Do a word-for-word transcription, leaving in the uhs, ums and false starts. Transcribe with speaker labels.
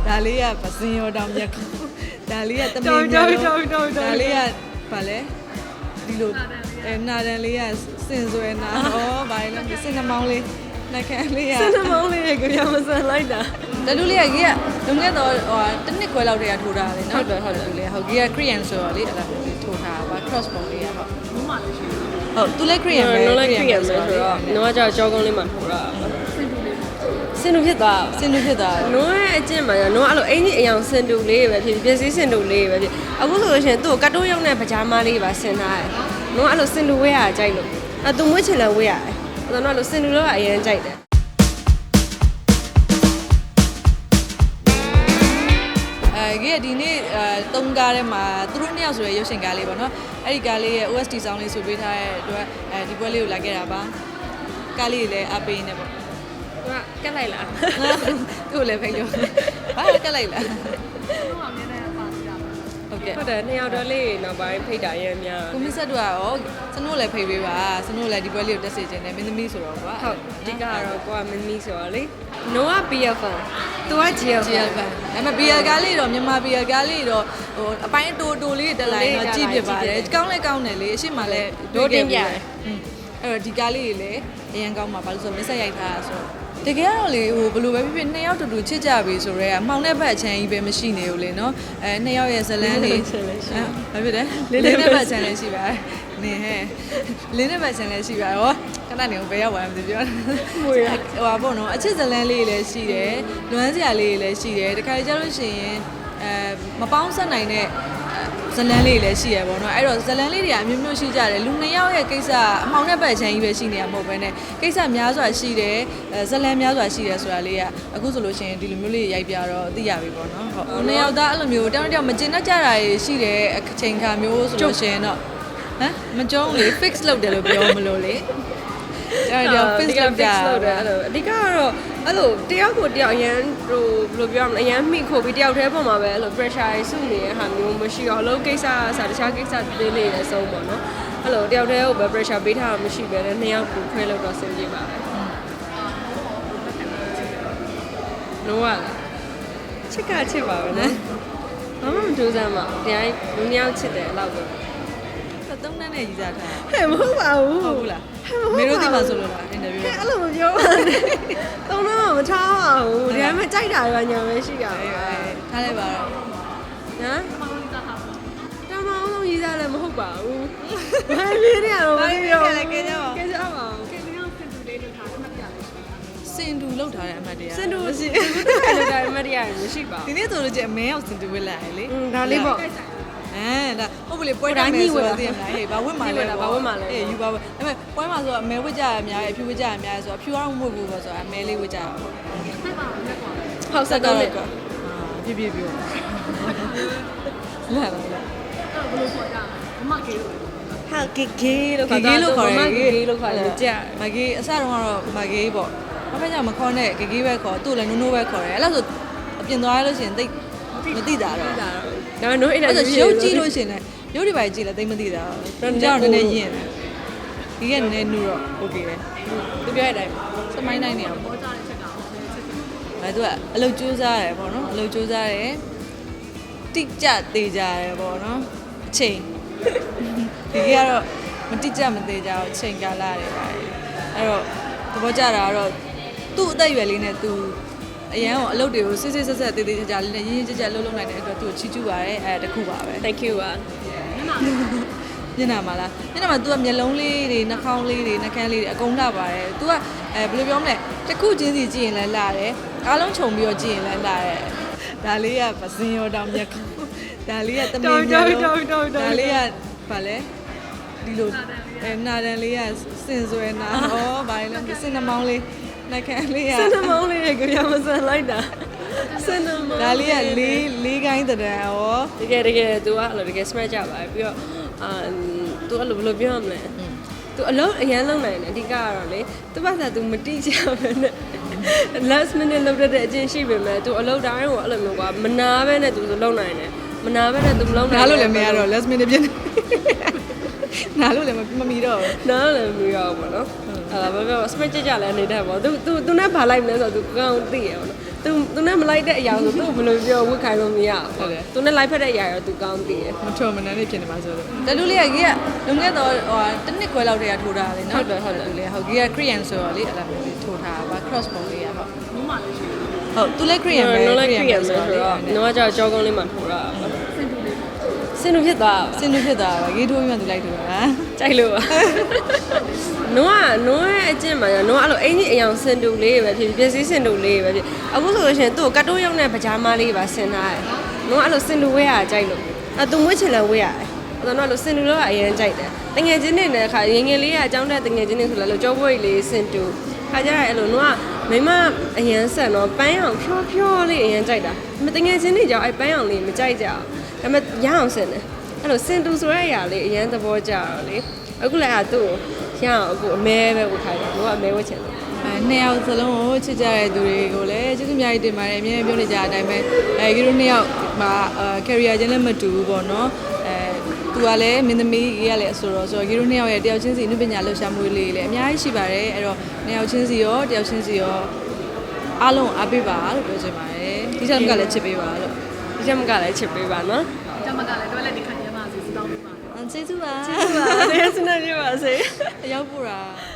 Speaker 1: ဒါလေးကပစင်ရောတောင်မြက်ကောဒါလေးကတမင်မြက်လို့ဒါလေးကဗာလဲဒီလိုအဲနာတန်လေးကစင်ဆွဲနာဟောဗာလဲစင်နှမောင်းလေးနှက်ခမ်းလေးကစင်နှမောင်းလေးကိုရမစမ်းလိုက်တာတလူလေးကကြီးကလုံခဲ့တော့ဟိုတစ်နှစ်ခွဲလောက်တည်းကထိုးထားတယ်နော်ဟုတ်တယ်ဟုတ်တယ်လေဟုတ်ကြီးက Korean ဆိုတော့လေအဲ့ဒါထိုးထားတာ cross bone လေးကဟုတ်ဘူးမှလည်းရှိဟုတ်သူလည်း Korean ပဲ Korean ဆိုတော့နော်ကကြောက်ကြောကုန်းလေးမှာထိုးတာစင်တူဖြစ်သွားစင်တူဖြစ်သွားနော်ရဲ့အကျင့်မှာနော်အဲ့လိုအင်ကြီးအယောင်စင်တူလေးပဲဖြစ်ဖြစ်စည်းစင်တူလေးပဲဖြစ်အခုဆိုလို့ရှိရင်သူ့ကိုကတ်တိုးရောက်တဲ့ပကြားမလေးပါဆင်ထားတယ်နော်အဲ့လိုစင်တူဝဲရကြိုက်လို့အဲ့သူမွေးချင်လည်းဝဲရတယ်အဲ့တော့နော်အဲ့လိုစင်တူတော့အရင်ကြိုက်တယ်အဲကြီးဒီနေ့အဲတုံးကားထဲမှာသူတို့နှစ်ယောက်ဆိုရရုပ်ရှင်ကားလေးပေါ့နော်အဲ့ဒီကားလေးရဲ့ O S T sound လေးဆိုပေးထားတဲ့အတွက်အဲဒီပွဲလေးကိုလာခဲ့တာပါကားလေးလည်းအပေးနေပေါ့သူကကက်လိုက်လားသူ့လည်းဖိတ်လို့ဘာကက်လိုက်လားဟုတ်ကဲ့ဟုတ်တယ်နှစ်ယောက်တော့လေးနောက်ပိုင်းဖိတ်တာရမ်းများကိုမစ်ဆက်တို့ကရောစနိုးလည်းဖိတ်ပေးပါစနိုးလည်းဒီပွဲလေးကိုတက်စေချင်တယ်မင်းသမီးဆိုတော့ကွာဟုတ်အဓိကတော့ကိုကမင်းသမီးဆိုတော့လေနိုက B F fan သူက G F fan ဒါပေမဲ့ B L ကားလေးတော့မြန်မာ B L ကားလေးတော့ဟိုအပိုင်းတိုးတိုးလေးတက်လိုက်တော့ကြည့်ပြပါတယ်ကောင်းလဲကောင်းတယ်လေအရှိမလည်းဒိုးတင်ပြတယ်အဲ့တော့ဒီကားလေးတွေလည်းအရင်ကောင်းမှာဘာလို့ဆိုမစ်ဆက်ရိုက်ထားတာဆိုတော့တကယ်တော့လေဟိုဘယ်လိုပဲဖြစ်ဖြစ်နှစ်ယောက်တူတူချစ်ကြပြီဆိုတော့အမှောင်တဲ့ဘက်အချမ်းကြီးပဲမရှိနေဘူးလေနော်အဲနှစ်ယောက်ရဲ့ဇလန်းလေးဘာဖြစ်လဲလင်းတဲ့ဘက်အချမ်းလေးရှိပါနေဟဲ့လင်းတဲ့ဘက်အချမ်းလေးရှိပါရောခဏနေဘယ်ရောက်သွားမှမသိပြောဟိုဟာပေါ့နော်အချစ်ဇလန်းလေးလည်းရှိတယ်လွမ်းစရာလေးလည်းရှိတယ်တခါကြလို့ရှိရင်အဲမပေါင်းဆက်နိုင်တဲ့ဇလန်းလေးလည်းရှိရပေါ့နော်အဲ့တော့ဇလန်းလေးတွေကအမျိုးမျိုးရှိကြတယ်လူနှစ်ယောက်ရဲ့ကိစ္စအမှောင်တဲ့ဘက်ချမ်းကြီးပဲရှိနေရမဟုတ်ဘဲနဲ့ကိစ္စများစွာရှိတယ်ဇလန်းများစွာရှိတယ်ဆိုတာလေးကအခုဆိုလို့ရှိရင်ဒီလိုမျိုးလေးရိုက်ပြတော့သိရပြီပေါ့နော်ဟုတ်နှစ်ယောက်သားအဲ့လိုမျိုးတောင်းတောင်းမကျင်တတ်ကြတာရှိတယ်အချိန်ခါမျိုးဆိုလို့ရှိရင်တော့ဟမ်မကြုံလေ fix လုပ်တယ်လို့ပြောမလို့လေအဲ့တော့ fix လုပ်တာအဲ့လိုအဓိကတော့အဲ့လိုတယောက်ကိုတယောက်အရန်ဟိုဘယ်လိုပြောရမလဲအရန်မိခိုပြီးတယောက်တည်းပုံမှာပဲအဲ့လို pressure စုနေတဲ့ဟာမျိုးမရှိတော့အလုပ်ကိစ္စအစားတခြားကိစ္စသေးလေးလည်းစုံပေါ့နော်အဲ့လိုတယောက်တည်းကိုပဲ pressure ပေးထားတာမရှိပဲနဲ့နှစ်ယောက်ကိုခွဲလို့တော့ဆင်ပြေပါပဲလုံးဝချစ်ကချစ်ပါပဲနော်ဘာမှမကြိုးစားမှတရားလူနှစ်ယောက်ချစ်တယ်အဲ့လောက်ပဲသုံးတန်းနဲ့ကြီးစားထားဟဲ့မဟုတ်ပါဘူးဟုတ်ဘူးလားမေတို့ဒီမှာဆိုလို့လားအင်တာဗျူးဟဲ့အဲ့လိုမပြောပါနဲ့သုံးတန်းမှမထားပါဘူးဒီမှာကြိုက်တာကညာပဲရှိတာပဲထားလိုက်ပါတော့နော်တမအောင်လုံးကြီးစားလည်းမဟုတ်ပါဘူးဘာဖြစ်နေရတော့မပြောဘူးကဲကြပါကဲကြပါကဲဒီအောင်စင်တူလေးလုပ်ထားတယ်မှတ်ပြလေးစင်တူလုပ်ထားတဲ့အမှတ်တရားစင်တူမရှိဘူးလုပ်ထားတဲ့အမှတ်တရားမရှိပါဘူးဒီနေ့ဆိုလို့ချင်းအမဲရောက်စင်တူဝက်လာရလေဒါလေးပေါ့အဲဒါဟုတ်ပြီလေပွဲတိုင်းကြီးဆိုတော့သိရမလားဟေးဘာဝတ်မှာလဲဘာဝတ်မှာလဲအေးယူပါဘူးဒါပေမဲ့ပွဲမှာဆိုတော့အမဲဝတ်ကြရအများကြီးအဖြူဝတ်ကြရအများကြီးဆိုတော့အဖြူကတော့မဝတ်ဘူးပေါ့ဆိုတော့အမဲလေးဝတ်ကြရပေါ့ဆက်ပါဦးလက်ကွာဟုတ်ဆက်တော့ကွာပြပြပြလာလာလာအဲ့ဘယ်လိုခေါ်ကြလဲမမကေလို့ဟာကေကေလို့ခေါ်တာကေလို့ခေါ်တယ်ကေကေလို့ခေါ်တယ်ကြမကေအစတုန်းကတော့မကေပေါ့ဘာဖြစ်ကြမခေါ်နဲ့ကေကေပဲခေါ်သူ့လည်းနိုးနိုးပဲခေါ်တယ်အဲ့လိုဆိုအပြင်သွားရလို့ရှိရင်တိတ်မသိတာတော့ဒါတော့နိုးအဲ့ဒါရုပ်ကြည့်လို့ရှိရင်လည်းရုပ်တွေပါကြည့်လည်းသိမသိတာတော့ကြောက်နေနေရင်ဒီကနည်းနည်းနူတော့โอเคပဲသူပြောတဲ့အတိုင်းစမိုင်းနိုင်နေအောင်ပေါ်ကြတဲ့ချက်ကအဲသူကအလုပ်ကြိုးစားတယ်ပေါ့နော်အလုပ်ကြိုးစားတယ်တိကျသေးကြတယ်ပေါ့နော်အချိန်ဒီကတော့မတိကျမသေးကြဘူးအချိန်ကာလတွေပါအဲ့တော့သဘောကျတာကတော့သူ့အသက်အရွယ်လေးနဲ့သူအရန်ကိုအလုပ်တွေကိုစစ်စစ်ဆက်ဆက်သေးသေးကြကြလေးနဲ့ရင်းရင်းကြကြလှုပ်လှုပ်နိုင်တဲ့အတွက်သူ့ကိုချီးကျူးပါတယ်အဲတခုပါပဲ Thank you ပါညနာမလားညနာမ तू ကမျက်လုံးလေးတွေနှာခေါင်းလေးတွေနှာခမ်းလေးတွေအကုန်လှပါတယ် तू ကအဲဘယ်လိုပြောမလဲတစ်ခုချင်းစီကြည့်ရင်လည်းလှတယ်အားလုံးခြုံပြီးတော့ကြည့်ရင်လည်းလှတယ်ဒါလေးကပစင်ရောတောင်မြက်ကောဒါလေးကတမင်မြက်လို့ဒါလေးကဗာလဲဒီလိုအဲနာတန်လေးကစင်ဆွဲနာဟောဗာလဲစင်နှမောင်းလေးနှာခမ်းလေးကစင်နှမောင်းလေးကိုရမစမ်းလိုက်တာစင်နှမောင်းဒါလေးကလေးလေးကိုင်းတရံဟောတကယ်တကယ် तू ကအဲ့လိုတကယ် smash ကြပါပြီးတော့အာ तू အဲ့လိုဘယ်လိုပြောရမလဲ तू အလုံးအရန်လုံးနိုင်တယ်အဓိကကတော့လေ तू ဘာသာ तू မတိကျပဲနဲ့ last minute လောက်တဲ့အချင်းရှိပေမဲ့ तू အလုံးတိုင်းကိုအဲ့လိုမျိုးကွာမနာပဲနဲ့ तू လုံးနိုင်တယ်မနာပဲနဲ့ तू လုံးနိုင်နားလို့လည်းမရတော့ last minute ပြင်းနားလို့လည်းမမီတော့နားလည်းမမီတော့ဘောနော်
Speaker 2: အဲ့ဒါပဲပဲ spread ကြကြလဲနေတတ်ပေါ့သူသူသူနဲ့ဘာလိုက်မလဲဆိုတော့သူကောင်းသိရပေါ့နော်သူသူနဲ့မလိုက်တဲ့အရာဆိုသူဘယ်လိုပြောဝတ်ခိုင်းလို့မရဘူးသူနဲ့လိုက်ဖက်တဲ့အရာရောသူကောင်းသိရ
Speaker 1: မထုံမနှမ်းလေးဖြစ်နေပါဆိုလို့တလူလေးကကြီးကလုံခဲ့တော့ဟိုတစ်နှစ်ခွဲလောက်တည်းကထိုးထားတယ်နော်ဟုတ်တယ်ဟုတ်တယ်လူလေးဟုတ်ကြီးက Korean ဆိုတော့လေအဲ့လိုမျိုးထိုးထားတာ cross ပုံလေးကဟုတ်မမလေးရှိဟုတ်သူလည်း Korean ပဲ
Speaker 2: Korean ဆိုတော့တော့ကကြောက်ကြောကုန်းလေးမှာထိုးတာစင်တူဖြစ်သွား
Speaker 1: စင်တူဖြစ်သွားပါရေးထိုးပြီးမှသူလိုက်ထိုးတာ
Speaker 2: ကြိုက်လို့ပါနိုးကနိုးရဲ့အကျင့်မှာနိုးအဲ့လိုအင်ကြီးအယောင်စင်တူလေးပဲဖြစ်ဖြစ်စည်းစင်တူလေးပဲဖြစ်အခုဆိုလို့ရှိရင်သူ့ကတ်တိုးရောက်တဲ့ပကြားမလေးပါဆင်ထားတယ်နိုးကအဲ့လိုစင်တူဝဲရကြိုက်လို့အဲ့သူမွေးချင်လဲဝဲရတယ်အဲ့တော့အဲ့လိုစင်တူတော့အရင်ကြိုက်တယ်တငယ်ချင်းတွေနဲ့ခါငငယ်လေးကအကြောင်းတဲ့တငယ်ချင်းတွေဆိုလဲလို့ကြောပွေးလေးစင်တူခါကြရအဲ့လိုနိုးကမိမအရင်ဆက်တော့ပန်းအောင်ဖြောဖြောလေးအရင်ကြိုက်တာမတငယ်ချင်းတွေကြောင့်အဲ့ပန်းအောင်လေးမကြိုက်ကြအောင်ဒါပေမဲ့ရအောင်စင်တယ်အဲ့လိုစင်တူဆိုတဲ့အရာလေးအရင်သဘောကျတော့လေအခုလည်းအဲ့သူ့ရအောင်အခုအမဲပဲဝတ်ခိုင်းတယ်တို့ကအမဲဝတ်ချင်တယ်
Speaker 1: အဲနှစ်ယောက်စလုံးကိုချစ်ကြတဲ့သူတွေကိုလည်းကျေးဇူးအများကြီးတင်ပါတယ်အမြဲပြောနေကြတဲ့အတိုင်းပဲအဲကြီးတို့နှစ်ယောက်မှာအဲ career ချင်းလည်းမတူဘူးပေါ့နော်အဲသူကလည်းမင်းသမီးကြီးကလည်းအဆိုတော့ဆိုတော့ကြီးတို့နှစ်ယောက်ရဲ့တယောက်ချင်းစီအနုပညာလှူရှာမှုလေးလည်းအများကြီးရှိပါတယ်အဲ့တော့နှစ်ယောက်ချင်းစီရောတယောက်ချင်းစီရောအားလုံးအားပေးပါလို့ပြောချင်ပါတယ်ဒီချက်မကလည်းချစ်ပေးပါလို့
Speaker 2: ဒီချက်မကလည်းချစ်ပေးပါနော်
Speaker 3: ကျမကလည်းတွဲလက်ဒီခံရမှာစီစီတောင်းပေးပါ
Speaker 1: ကျေးဇူးပါ
Speaker 2: ကျေးဇူးပါကျေးဇူးနေပါစေ
Speaker 1: ရောက်ပူတာ